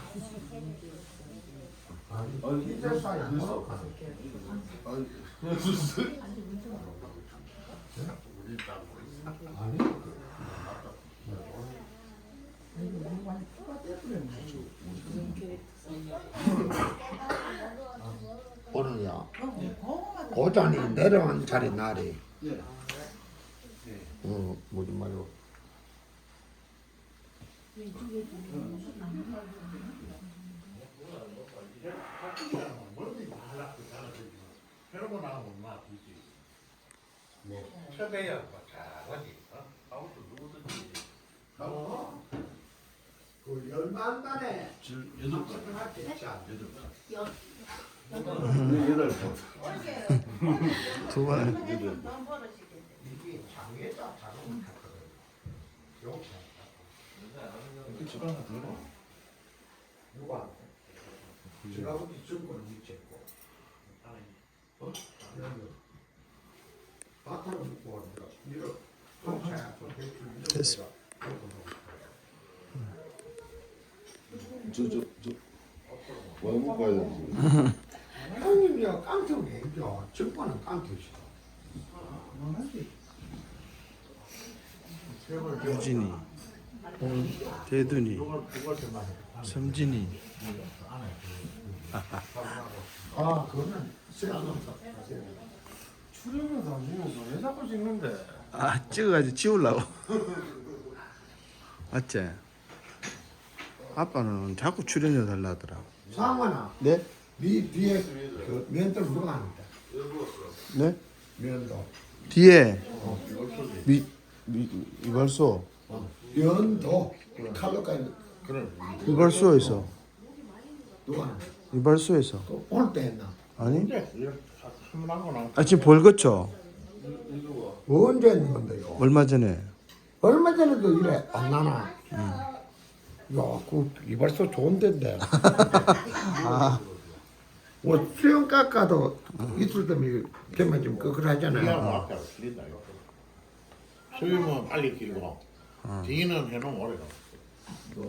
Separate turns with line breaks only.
아니, 이제 사이 안 먹어.
아니,
아니. 오늘야 고전이 내려온 자리 날이 뭐지 말고
척해야 잘하지. 아무도 누구든지.
그 열만단에
여덟 번.
여덟 번.
두 번.
이게 장애자 자동을 탔거든. 요거
집 하나 더 넣어.
누가 제가 우리 증권을 미쳤고 바탕을 묶고 하니까 이거 통차야
됐어.
뭐 가야 되지?
형님이야 깡통이 이겨 증권은 깡통이시다.
유진이, 대둔이, 섬진이.
아 그거는
출연료도 안 주면서 왜 자꾸 찍는데?
아, 찍어가지고 지우려고. 맞지? 아빠는 자꾸 출연료 달라더라.
상원아
네?
네 뒤에 그 면도 누가 합니다.
네?
면도
뒤에 이발소.
면도 칼로까지
이발소에서.
누가 합니다.
이발소에서.
또 오늘 때 했나?
아니?
한번 하고
아, 지금 벌겋죠?
언제 했는 건데 이거?
얼마 전에.
얼마 전에도 이래 안 나나? 야, 그 이발소 좋은 데인데.
아,
뭐 수영 깎아도 이틀 되면 좀 끄끄하잖아요.
앞에 틀린다 이거. 수염은 빨리 길고 뒤는 해놓으면 오래 가.